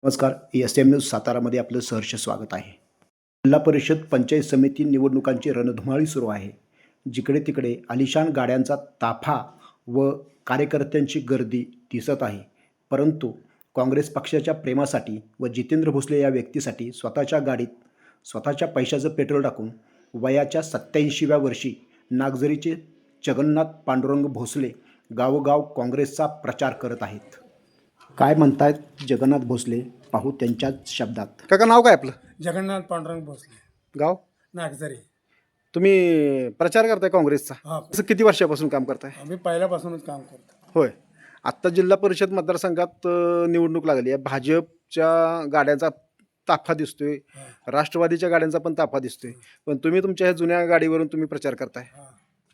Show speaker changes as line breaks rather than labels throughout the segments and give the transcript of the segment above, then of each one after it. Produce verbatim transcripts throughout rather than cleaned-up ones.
नमस्कार. S M news सातारामध्ये आपलं सहर्ष स्वागत आहे. जिल्हा परिषद पंचायत समिती निवडणुकांची रणधुमाळी सुरू आहे. जिकडे तिकडे आलिशान गाड्यांचा ताफा व कार्यकर्त्यांची गर्दी दिसत आहे. परंतु काँग्रेस पक्षाच्या प्रेमासाठी व जितेंद्र भोसले या व्यक्तीसाठी स्वतःच्या गाडीत स्वतःच्या पैशाचं पेट्रोल टाकून वयाच्या सत्त्याऐंशीव्या वर्षी नागझरीचे जगन्नाथ पांडुरंग भोसले गावोगाव काँग्रेसचा प्रचार करत आहेत. काय म्हणतायत जगन्नाथ भोसले पाहू त्यांच्याच शब्दात.
काका नाव काय आपलं?
जगन्नाथ पांडुरंग भोसले,
गाव?
नागझरी.
तुम्ही प्रचार करताय काँग्रेसचा?
हा,
असं किती वर्षापासून काम करताय?
आम्ही पहिल्यापासूनच काम करतो.
होय. आत्ता जिल्हा परिषद मतदारसंघात अ, निवडणूक लागली आहे. भाजपच्या गाड्यांचा ताफा दिसतोय,
हा,
राष्ट्रवादीच्या गाड्यांचा पण ताफा दिसतोय, पण तुम्ही तुमच्या ह्या जुन्या गाडीवरून तुम्ही प्रचार करताय.
हा.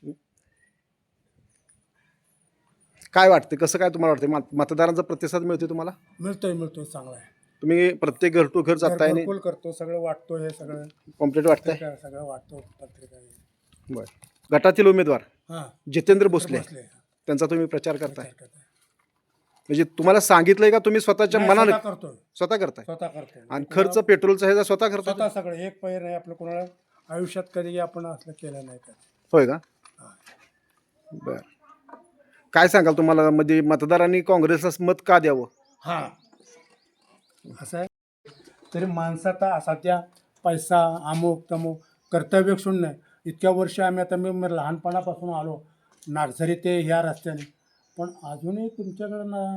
काय वाटतं, कसं काय तुम्हाला वाटतं? मत- मतदारांचा प्रतिसाद मिळतोय तुम्हाला?
मिळतोय मिळतोय चांगला आहे.
तुम्ही प्रत्येक घर टू घर जाताय आणि
घरकुल करतो, सगळं वाटतो, हे सगळं
कॉम्प्लीट वाटताय?
पत्रिका सगळं वाटतो पत्रिका.
बरं. गटातील उमेदवार
हां,
जितेंद्र भोसले
भोसले
त्यांचा तुम्ही प्रचार करताय,
प्रचार करतोय.
म्हणजे तुम्हाला सांगितलंय का तुम्ही स्वतःच्या
नाही,
मनाने
स्वतः करतोय,
स्वतः करताय?
स्वतः करतोय.
आणि खर्च पेट्रोलचा ह्याचा स्वतः करताय?
स्वतः सगळं एक पैर नाही आपलं, कोणाला आयुष्यात कधी आपण असलं केलं नाही कधी.
होय का?
हा.
बर. काय सांगाल तुम्हाला, म्हणजे मतदारांनी काँग्रेसला मत का द्यावं?
हा, असं आहे. तरी माणसाचा सध्या पैसा अमुक तमुक कर्तव्य शून्य. इतक्या वर्ष आम्ही आता मी मी लहानपणापासून आलो नागझरी ते ह्या रस्त्याने, पण अजूनही तुमच्याकडं ना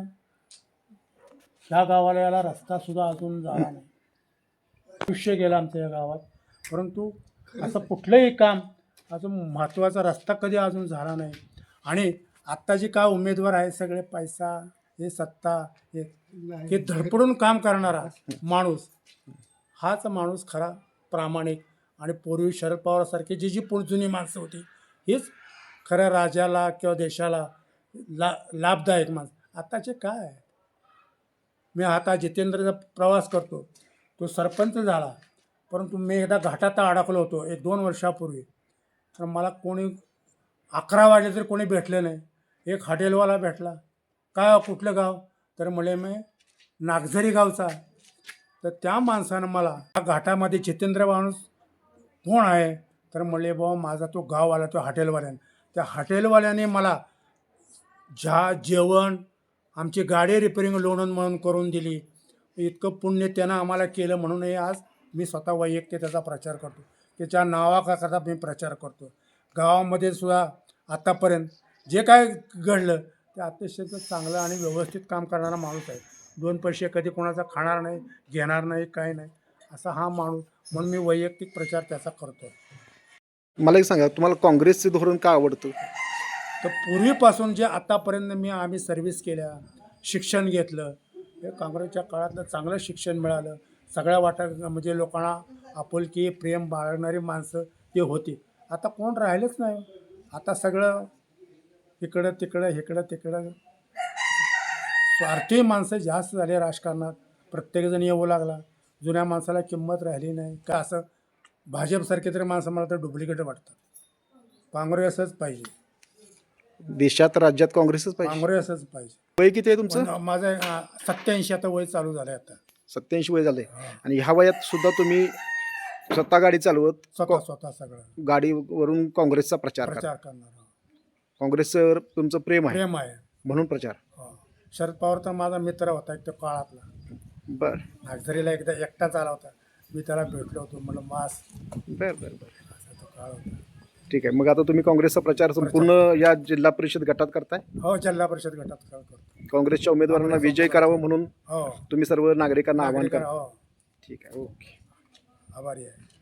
ह्या गावाला याला रस्तासुद्धा अजून झाला नाही. आयुष्य गेलं आमच्या या गावात, परंतु असं कुठलंही काम अजून महत्त्वाचा रस्ता कधी अजून झाला नाही. आणि आत्ता जे काय उमेदवार आहे सगळे पैसा, हे सत्ता, हे हे धडपडून काम करणारा माणूस, हाच माणूस खरा प्रामाणिक. आणि पूर्वी शरद पवारसारखी जी जी पुढ जुनी माणसं होती, हीच खऱ्या राज्याला किंवा देशाला ला लाभदायक माणसं. आत्ताचे काय आहे? मी आता जितेंद्रचा प्रवास करतो, तो सरपंच झाला, परंतु मी एकदा घाटात अडकलो होतो एक दोन वर्षापूर्वी. तर मला कोणी अकरा वाजले तरी कोणी भेटले नाही. एक हॉटेलवाला भेटला. काय कुठलं गाव? तर म्हणे मी नागझरी गावचा. तर त्या माणसानं मला त्या घाटामध्ये जितेंद्र माणूस कोण आहे? तर म्हणले बाबा माझा तो गाववाला, तो हॉटेलवाल्यानं. त्या हॉटेलवाल्याने मला ज्या जेवण, आमची गाडी रिपेरिंग लोणन म्हणून करून दिली. इतकं पुण्य त्यानं आम्हाला केलं, म्हणूनही आज मी स्वतः वैयक्तिक त्याचा प्रचार करतो. त्याच्या नावाकरता मी प्रचार करतो. गावामध्ये सुद्धा आत्तापर्यंत जे काय घडलं ते अतिशय चांगलं आणि व्यवस्थित काम करणारा माणूस आहे. दोन पैसे कधी कोणाचा खाणार नाही, घेणार नाही, काही नाही, असा हा माणूस. म्हणून मी वैयक्तिक प्रचार त्याचा करतो.
मला एक सांगा, तुम्हाला काँग्रेसचे धोरण का आवडतं?
तर पूर्वीपासून जे आतापर्यंत मी आम्ही सर्व्हिस केल्या, शिक्षण घेतलं, हे काँग्रेसच्या काळातलं चांगलं शिक्षण मिळालं. सगळ्या वाटा म्हणजे लोकांना आपुलकी प्रेम बाळगणारी माणसं ते होती. आता कोण राहिलंच नाही. आता सगळं इकडं तिकडं इकडं तिकडं स्वार्थी माणसं जास्त झाले राजकारणात. प्रत्येकजण येऊ लागला. जुन्या माणसाला किंमत राहिली नाही. का असं भाजपसारखे तरी माणसं मला तर डुप्लिकेट वाटतात. काँग्रेसच पाहिजे,
देशात राज्यात काँग्रेसच पाहिजे.
काँग्रेसच पाहिजे.
वय किती आहे तुमचं?
पण माझं सत्याऐंशी आता वय चालू झालं आहे आता.
सत्याऐंशी वय झालंय. आणि ह्या वयात सुद्धा तुम्ही स्वतः गाडी चालवत
स्वतः स्वतः सगळं
गाडीवरून काँग्रेसचा प्रचार करा.
प्रचार करणार.
काँग्रेसवर तुमचं प्रेम आहे
प्रेम आहे.
म्हणून प्रचार.
हो. शरद पवार तर माझा मित्र होता एक तो काळातला.
बर
नागझरीला एकदा एकटाच आला होता. मी त्याला भेटलो होतो, म्हणलं मास,
बर बर बर
असा तो काळ होता.
ठीक आहे. मग आता तुम्ही काँग्रेसचा प्रचार संपूर्ण या जिल्हा परिषद गटात करताय.
हो, जिल्हा परिषद गटात काळ करतो.
काँग्रेसच्या उमेदवारांना विजय करावं म्हणून
हो,
तुम्ही सर्व नागरिकांना आवाहन
नागरिक-
करा.
हो,
ठीक आहे. ओके.
आभारी आहे.